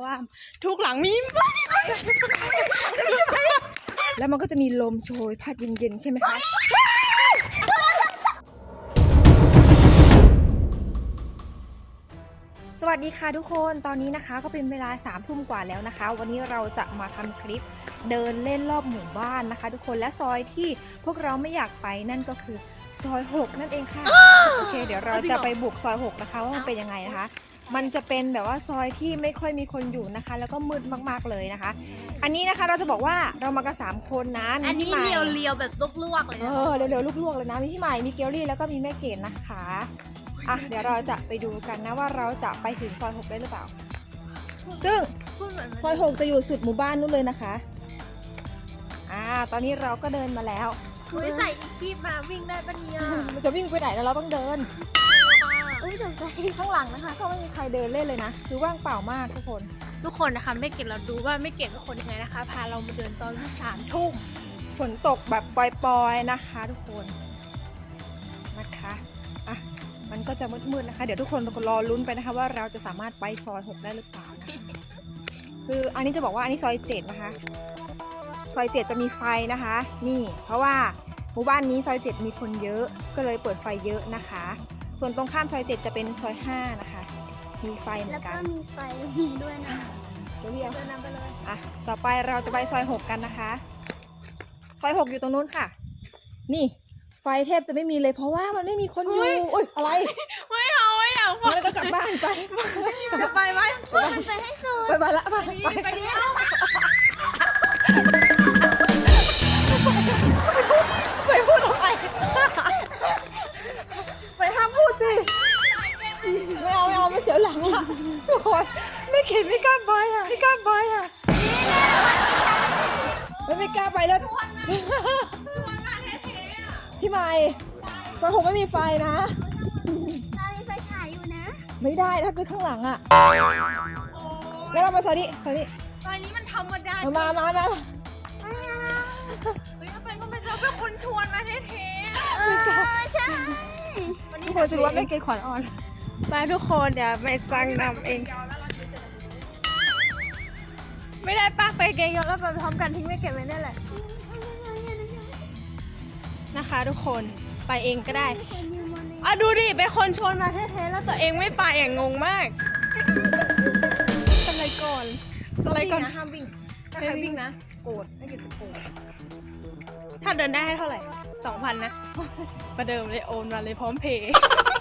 ว่าทุกหลังมีแล้วมันก็จะมีลมโชยพัดเย็นๆใช่ไหมคะสวัสดีค่ะทุกคนตอนนี้นะคะก็เป็นเวลา3 ทุ่มกว่าแล้วนะคะวันนี้เราจะมาทำคลิปเดินเล่นรอบหมู่บ้านนะคะทุกคนและซอยที่พวกเราไม่อยากไปนั่นก็คือซอย6นั่นเองค่ะโอเคเดี๋ยวเราจะไปบุกซอย6นะคะว่ามันเป็นยังไงนะคะมันจะเป็นแบบว่าซอยที่ไม่ค่อยมีคนอยู่นะคะแล้วก็มืดมากๆเลยนะคะอันนี้นะคะเราจะบอกว่าเรามากัน3 คนนะอันนี้เรียวๆแบบลวกๆเลยเร็วๆลวกๆเลยนะมีพี่ใหม่มีเกลลี่แล้วก็มีแม่เกดนะคะอ่ะเดี๋ยวเราจะไปดูกันนะว่าเราจะไปถึงซอย6ได้หรือเปล่าซึ่งซอย6จะอยู่สุดหมู่บ้านนู้นเลยนะคะตอนนี้เราก็เดินมาแล้วใส่อีคีบมาวิ่งได้ปะเนี่ยมันจะวิ่งไปไหนแล้วเราต้องเดินสนใจข้างหลังนะคะก็ไม่มีใครเดินเล่นเลยนะคือว่างเปล่ามากทุกคนนะคะไม่เก็บเราดูว่าไม่เก็บเป็นคนยังไงนะคะพาเรามาเดินตอน3 ทุ่มฝนตกแบบปล่อยๆนะคะทุกคนนะคะอ่ะมันก็จะมืดๆนะคะเดี๋ยวทุกคนรอลุ้นไปนะคะว่าเราจะสามารถไปซอย6ได้หรือเปล่านะคืออันนี้จะบอกว่าอันนี้ซอย7นะคะซอย7จะมีไฟนะคะนี่เพราะว่าหมู่บ้านนี้ซอย7มีคนเยอะก็เลยเปิดไฟเยอะนะคะส่วนตรงข้ามซอย7จะเป็นซอย5นะคะมีไฟเหมือนกันแล้วก็มีไฟมีด้วยนะเดี๋ยวเดินนำไปเลยต่อไปเราจะไปซอย6กันนะคะซอย6อยู่ตรงนู้นค่ะนี่ไฟแทบจะไม่มีเลยเพราะว่ามันไม่มีคนอยู่อุ้ยอะไรไม่เอาแล้วก็กลับบ้านไปไหมไปให้สุดไปละไปเดี๋ยวไปพูดทำไมไปห้ามพูดสิไม่เอาไม่เสียหลังอ่ะทุกคนไม่เข็นไม่กล้าไปอ่ะไม่กล้าไปแล้วพี่ใหม่ซอย6ไม่มีไฟนะเรามีไฟฉายอยู่นะไม่ได้ถ้าคือข้างหลังอ่ะแล้วเราไปซอยนี้ซอยนี้มันธรรมดามาเฮ้ยไปก็ไม่เจอเป็นคนชวนมาเท่ใช่วันนี้ผมรู้ว่าไม่เกณฑ์ขวัญอ่อนมาทุกคนเดี๋ยวไม่สั่งนำเองไม่ได้ป้าไปเกยแล้วไปพร้อมกันทิ้งไม่เก็บไว้นั่นแหละนะคะทุกคนไปเองก็ได้ดูดิเป็นคนชวนมาแท้ๆแล้วตัวเองไม่ไปงงมากอะไรก่อนนะห้ามวิ่งถ้าใครวิ่งนะโกรธไม่เก็บจะโกรธถ้าเดินได้ให้เท่าไหร่ 2,000 นะประเดิมเลยโอนมาเลยพร้อมเพย์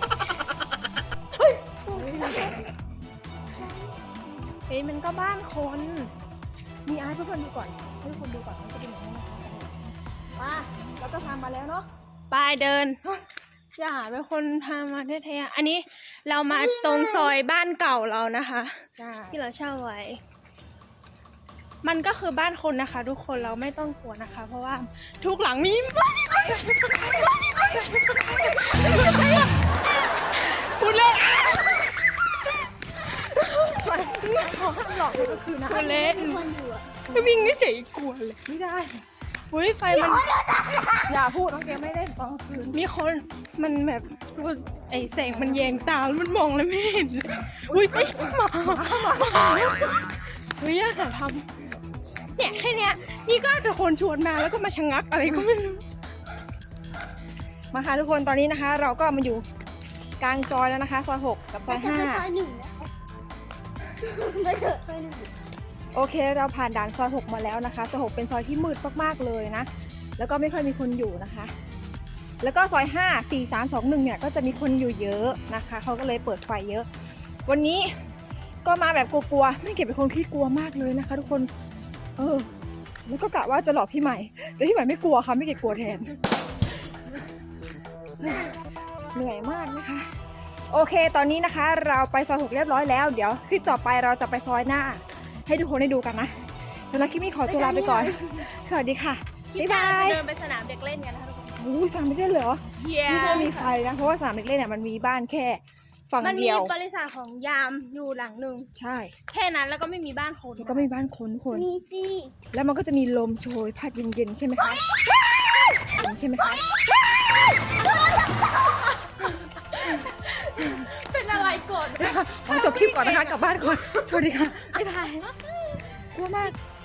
เฮ้ยมันก็บ้านคนมีอาร์ตทุกคนดูก่อนให้ทุกคนดูก่อนมันจะเป็นอย่างนี้นะคะมาเราก็พามาแล้วเนาะไปเดินอย่าเป็นคนพามาแท้ๆอันนี้เรามาตรงซอยบ้านเก่าเรานะคะที่เราเช่าไว้มันก็คือบ้านคนนะคะทุกคนเราไม่ต้องกลัวนะคะเพราะว่าทุกหลังมีพูดเล่นขอห้ามหลอกเลยก็คือนะพูดเล่นไม่วิ่งไม่เฉยกลัวเลยไม่ได้อุ้ยไฟมันอย่าพูดน้องแกไม่ได้ตอนคืนมีคนมันแบบไอแสงมันแยงตาแล้วมันมองแล้วไม่เห็นอุ้ยหมาเฮ้ยอย่าทำเนี่ยแค่เนี้ยนี่ก็แต่คนชวนมาแล้วก็มาชะงักอะไรก็ไม่รู้มาค่ะทุกคนตอนนี้นะคะเราก็มาอยู่กลางซอยแล้วนะคะซอย6กับซอย5 ซอย1นะคะไปเถอะซอย1 โอเคเราผ่านด่านซอย6มาแล้วนะคะซอย6เป็นซอยที่มืดมากๆเลยนะแล้วก็ไม่ค่อยมีคนอยู่นะคะแล้วก็ซอย5 4 3 2 1เนี่ยก็จะมีคนอยู่เยอะนะคะเขาก็เลยเปิดไฟเยอะวันนี้ก็มาแบบกลัวๆไม่เก็บเป็นคนขี้กลัวมากเลยนะคะทุกคนแล้วก็กะว่าจะหลอกพี่ใหม่แต่พี่ใหม่ไม่กลัวค่ะไม่เก็บกลัวแทนเหนื่อยมากนะคะโอเคตอนนี้นะคะเราไปซอย6เรียบร้อยแล้วเดี๋ยวคลิปต่อไปเราจะไปซอยหน้าให้ทุกคนได้ดูกันนะสำหรับคลิปนี้ขอตัวลาไปก่อนสวัสดีค่ะบ๊ายบายเดินไปสนามเด็กเล่นกันนะคะทุกคนสนามเด็กเล่นเหรอไม่ได้มีไฟนะเพราะว่าสนามเด็กเล่นเนี่ยมันมีบ้านแค่ฝั่งเดียวมันมีบริษัทของยามอยู่หลังหนึ่งใช่แค่นั้นแล้วก็ไม่มีบ้านคนแล้วก็ไม่มีบ้านคนมีสิแล้วมันก็จะมีลมโชยพัดเย็นๆใช่ไหมคะใช่ไหมคะเป็นอะไรก่อนขอจบคลิปก่อนนะคะกลับบ้านก่อนสวัสดีค่ะไม่ถ่ายกลัวมาก